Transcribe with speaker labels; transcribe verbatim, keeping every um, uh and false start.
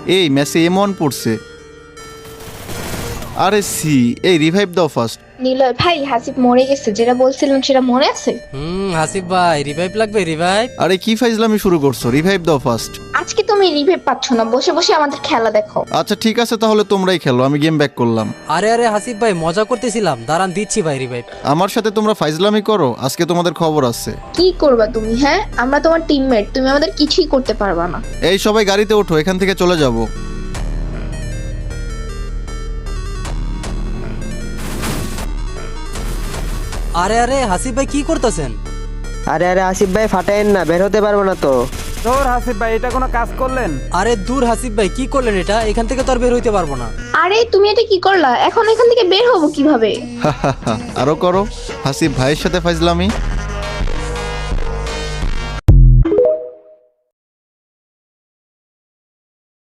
Speaker 1: এই ম্যাচে এমন পড়ছে। আরে সি, এই রিভাইভ দাও ফার্স্ট।
Speaker 2: নিলয় ভাই হাসিব মরে গেছে, যেটা বলছিলাম সেটা মনে আছে?
Speaker 3: হুম হাসিব ভাই রিভাইভ লাগবে রিভাইভ।
Speaker 1: আরে কি ফাইজলামি শুরু করছো, রিভাইভ দাও ফার্স্ট।
Speaker 2: আজকে তুমি রিভাইভ পাচ্ছ না, বসে বসে আমাদের খেলা দেখো।
Speaker 1: আচ্ছা ঠিক আছে, তাহলে তোমরাই খেলো, আমি গেম ব্যাক করলাম।
Speaker 3: আরে আরে হাসিব ভাই মজা করতেছিলাম, দাঁড়ান দিচ্ছি ভাই রিভাইভ।
Speaker 1: আমার সাথে তোমরা ফাইজলামি করো, আজকে তোমাদের খবর আছে।
Speaker 2: কি করবা তুমি? হ্যাঁ, আমরা তোমার টিমমেট, তুমি আমাদের কিছুই করতে পারবা না।
Speaker 1: এই সবাই গাড়িতে ওঠো, এখান থেকে চলে যাব।
Speaker 3: আরে আরে হাসিব ভাই কি করতেছেন?
Speaker 4: আরে আরে আসিফ ভাই ফাটাইন না, বের হতে পারবো না তো।
Speaker 5: তোর হাসিব ভাই এটা কোনো কাজ করলেন?
Speaker 3: আরে দূর হাসিব ভাই কি করলেন এটা, এখান থেকে তো আর বের হইতে পারবো না।
Speaker 2: আরে তুমি এটা কি করলা? এখন এখান থেকে বের হবো কিভাবে?
Speaker 1: আরো করো, হাসিব ভাইয়ের সাথে ফাইজলামি।